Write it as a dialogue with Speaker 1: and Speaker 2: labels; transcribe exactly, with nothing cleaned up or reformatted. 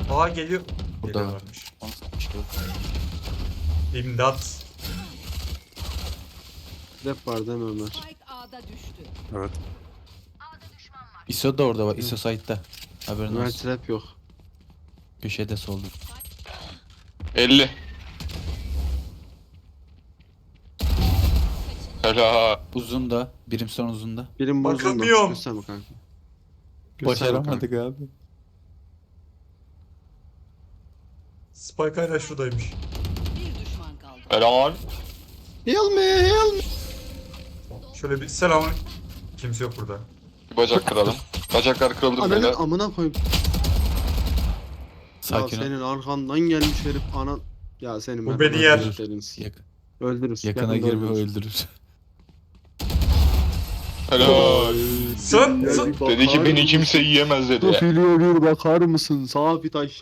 Speaker 1: Aa geliyor.
Speaker 2: Burada.
Speaker 1: Geliyorlarmış.
Speaker 2: İşte o.
Speaker 1: İmdat.
Speaker 3: Rap var değil mi Ömer?
Speaker 4: Spike A'da düştü.
Speaker 5: Evet.
Speaker 2: I S O da orada bak. I S O site'da. Haberin
Speaker 3: Ömer
Speaker 2: olsun.
Speaker 3: trap yok.
Speaker 2: Köşede solda.
Speaker 6: elli. Helal.
Speaker 2: Uzun da. Birim son uzun da.
Speaker 3: Birim bozuldu.
Speaker 1: Bakamıyorum.
Speaker 3: Gösterme kanka. Gösterme
Speaker 2: Başaramadık abi.
Speaker 1: Spike hala şuradaymış.
Speaker 4: Bir düşman kaldı.
Speaker 6: Helal.
Speaker 3: Heal me, heal me.
Speaker 1: Şöyle bir selam. Kimse yok burada.
Speaker 6: Bir bacak kıralım. Bacaklar kırıldı
Speaker 3: Ananın
Speaker 6: böyle.
Speaker 3: amına koyayım.
Speaker 2: Sakin
Speaker 3: ya
Speaker 2: ol.
Speaker 3: senin arkandan gelmiş herif anan. Ya senin
Speaker 1: Bu
Speaker 3: ben
Speaker 1: beni yer.
Speaker 3: öldürürüz.
Speaker 2: Yak
Speaker 3: Öldürürüz.
Speaker 2: yakına
Speaker 3: Yakında
Speaker 2: girme
Speaker 3: öldürürüz.
Speaker 2: öldürür.
Speaker 6: Helal.
Speaker 1: Sen, sen.
Speaker 3: Bakar
Speaker 6: Dedi ki beni
Speaker 3: mısın?
Speaker 6: kimse yiyemez dedi.
Speaker 3: Profili bir bakar mısın? Sağ bir taş